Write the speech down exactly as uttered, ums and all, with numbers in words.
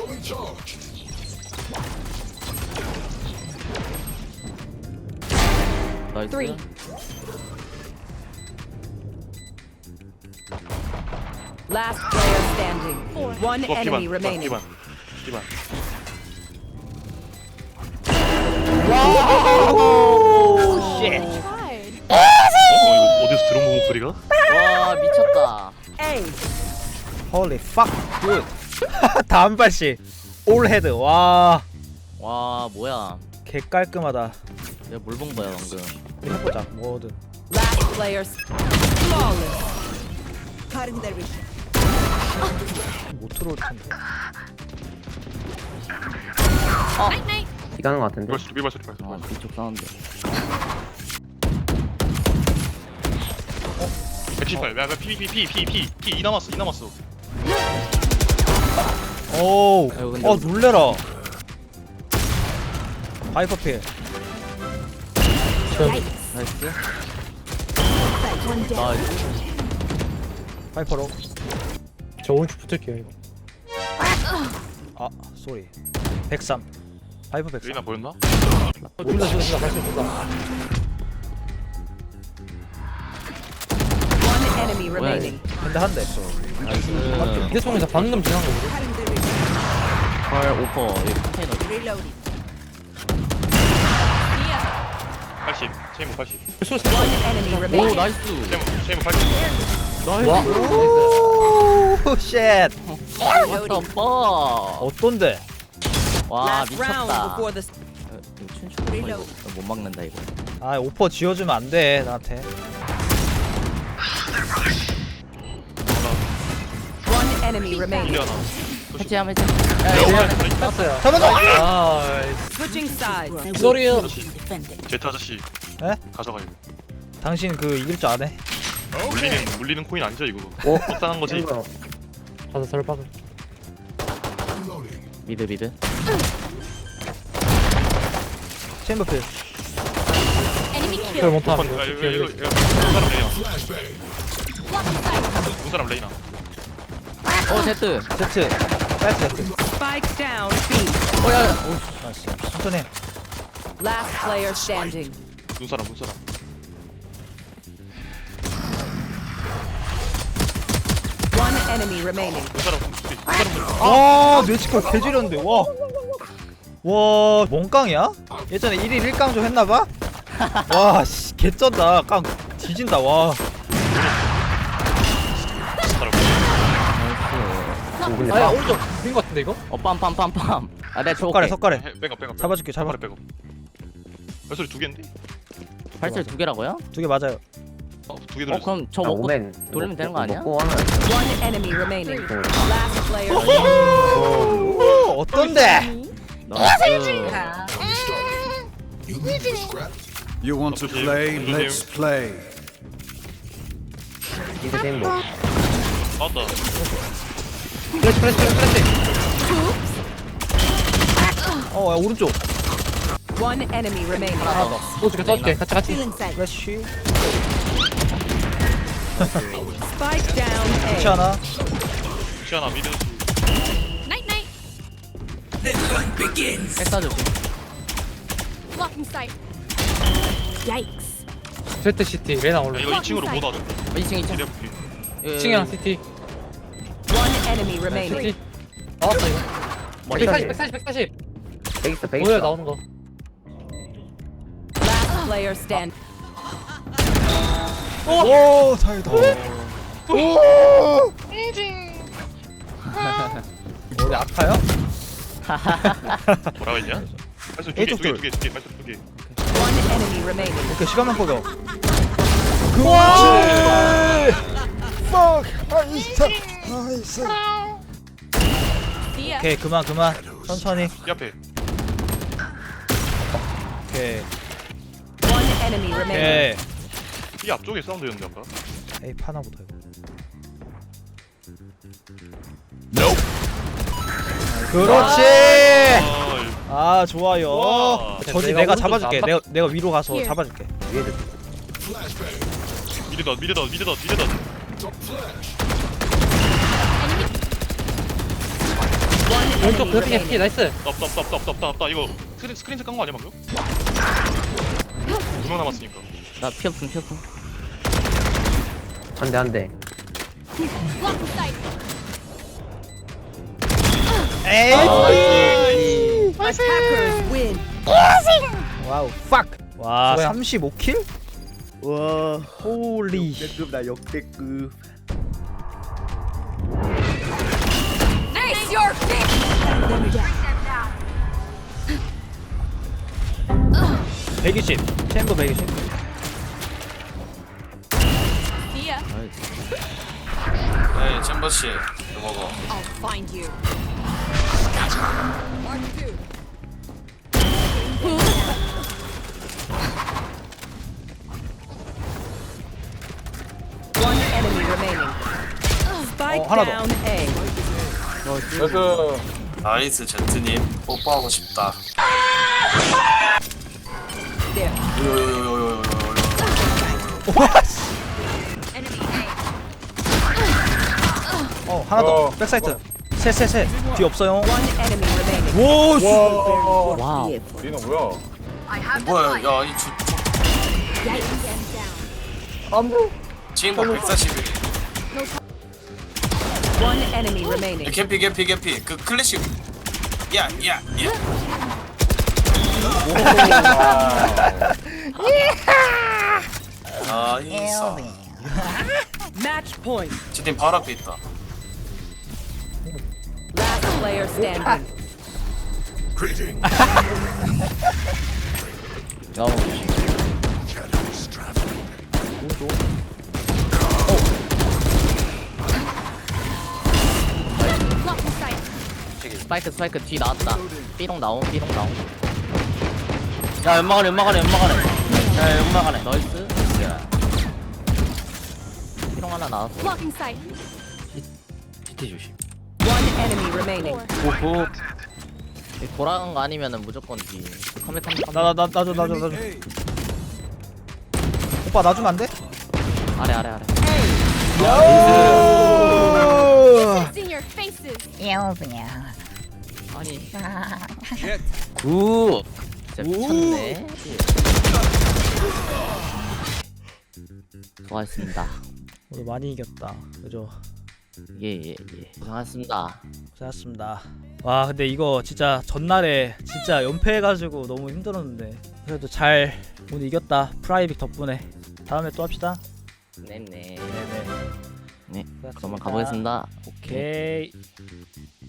나이스. Last player standing. One 이거 enemy 피반 remaining. 피반 피반 오 쉣. 어? 이거 어디서 들어본 목소리가? 와 미쳤다. A. Holy fuck, good. 다음 발씩 올 헤드. 와, 와 뭐야. 개 깔끔하다. 내가 뭘 본 거야 방금. 우리 해보자, 뭐든. Last player. s- Flawless. Cutting their vision. 못 들어올 텐데. 이가는 것 같은데. 비발 소리 비발 소리 비발 아 소리 뒤쪽 사운드. 백십팔 야 피피피피피피 이 남았어 이 남았어 오, 아이고, 근데 어 놀래라. 하이퍼필. 나이스. 나이스. 하이퍼로. 저 오른쪽 붙을게요 이거. 아, 쏘리. 백삼. 하이퍼 백삼. 레이나 보였나? 어, 둘다 둘다 둘다 발소리 둘다. One enemy 뭐야, remaining. 근데 한 대. 나이스. 대통에서 방금 지난 거거든. Cutting their vision. 헐 오퍼 여기 컨테이너. Reloading. 팔십 체이모 팔십 One enemy 오 remaining. 나이스. 체이모 체이모 팔십 나이스. 오, 쉣. What the fuck. 어떤데? 와 Last round 미쳤다. before the. 춘추 이거 못 막는다 이거. 아, 오퍼 지어주면 안 돼, 나한테. One enemy remaining. 미리 하나 해체함 해체. 땄어요. 잡아줘! 아, Switching sides. 쏘리요. 아저씨 제트 아저씨 에? 가져가 이거 당신 그 이길 줄 아네? 물리는 물리는 코인 아니죠 이거 어? 적당한 거지 이거 가서 설박을. 미드 미드. 챔버필. 그걸 못함. 아, 이거 이거 이거 이거 사람 레이나 두 사람 레이나 어 제트. 제트. 빨리 제트. Spike down. B. 어야. 나이스. 천천히 해. Last player standing. 눈 사람 눈 사람 One enemy remaining. 눈 사람 눈 사람 아, 뇌치컬 개지렸는데, 와. 와, 뭔깡이야? 예전에 일 일 일 깡 좀 했나봐? 와, 씨, 개쩐다. 깡 뒤진다, 와. 사람 오, 근데 아야 빡. 오른쪽 빈거 같은데 이거? 어 빰빰빰빰. 아 내가 석가래, 줘볼게. 석가래. 백업 백업 잡아줄게, 잡아. 백업 발소리 두 개인데? 발소리 두 개라고요? 두 개 맞아요. 어두개 어 들었어 그럼 저 아, 먹고 오멘 돌리면 되는 거 아니야? 먹고 하면 One enemy remaining. Last player. 오, 어떤데? 나이스. You want to play? Let's play. 이제 게임 뭐 나왔다 플래시 플래시 플래시. 어, 야, 오른쪽. One enemy remaining. 하나 더. 오른쪽 써줄게. 같이 같이. 플래시. Spike down. 그렇지 A. 않아? 시아나 미드 Night night. 백사 조심. Blocking sight. Yikes. 제트 시티 레나 야, 올라. 이거 이 층으로 못 와줘 어, 이 층 이 층. 이래 볼게 층이랑 시티. One enemy remaining. 시티. 나왔다 이거. 머리 백사십 백사십 백사십. 베이스 베이스 뭐야 나오는 거. Last player stand. 오, 다행이다. 머리 아파요? 뭐라고 했냐? 발소리 A쪽 둘. 두개두개두개두개 발소리 두개 One enemy remaining. 오케이, 시간만 꺼져. 그렇지! fuck! 나이스! 나이스! See ya. 오케이, 그만, 그만. 천천히. 이 앞에 오케이. One enemy remaining. 오케이. 이 앞쪽에 사운드였는데 아까 에이, 파나부터 이거. 그렇지! 아, 아, 좋아요. 와. 저지 내가 내가 오른쪽 잡아줄게. 안 내가 내가 위로 가서 Here. 잡아줄게. 위에도 미드덧 미드덧 미드덧 미드덧 One 왼쪽 enemy 그래픽에 remaining. 피 나이스. 없다 없다 없다 없다 없다 없다 이거 스크린 스크린샷 깐거 아니야 방금? 두 명 남았으니까. 나 피어풍 피어풍. 한대 한대. Blocking sight. 에이. Attackers win. 와우. fuck. 와, 수고야. 삼십오 킬? 와, 홀리. 역대급다 역대급. Nice, your fish. 백이십. 챔버 백이십. See ya. 네, 챔버씨 이거 먹어. I'll find you. Mark two. One enemy remaining. Spike 어, 하나 더. down A. 나이스 제트님 뽀뽀하고 싶다. There. 요요요요요요요요. 어, 하나 더. 백사이트. 셋, 셋, 셋. 뒤 없어요. One enemy remaining. 오, 씨. 와우. 뭐야? 야이 주. 지인공 백사십일. One enemy remaining. 개피 개피 개피 그 클래식. 야 야 야. 나이스. Match point. 제팀 바로 앞에 있다. Last player standing. 야, Blocking sight. 스파이크 스파이크 뒤 나왔다. 삐롱 나옴 삐롱 나옴. 야 연막하네 연막하네 연막하네. 야 연막하네. 나이스. 야. 삐롱 하나 나왔어. Blocking sight. 디티 조심. One enemy remaining. 오호. 돌아간 거 아니면은 무조건 뒤. 컴백 컴백. 나, 나, 나, 나줘, 나줘, 나줘. 오빠 놔주면 안 돼? 아래 아래 아래. It's in your faces. 아니. 굿. 진짜 미쳤네. 수고하셨습니다. 오늘 많이 이겼다. 그죠? 예예 예, 예. 고생하셨습니다. 고생하셨습니다. 와, 근데 이거 진짜 전날에 진짜 연패해가지고 너무 힘들었는데 그래도 잘 오늘 이겼다. 프라이빅 덕분에. 다음에 또 합시다. 네네. 네네. 네. 고생하셨습니다. 그러면 가보겠습니다. 오케이.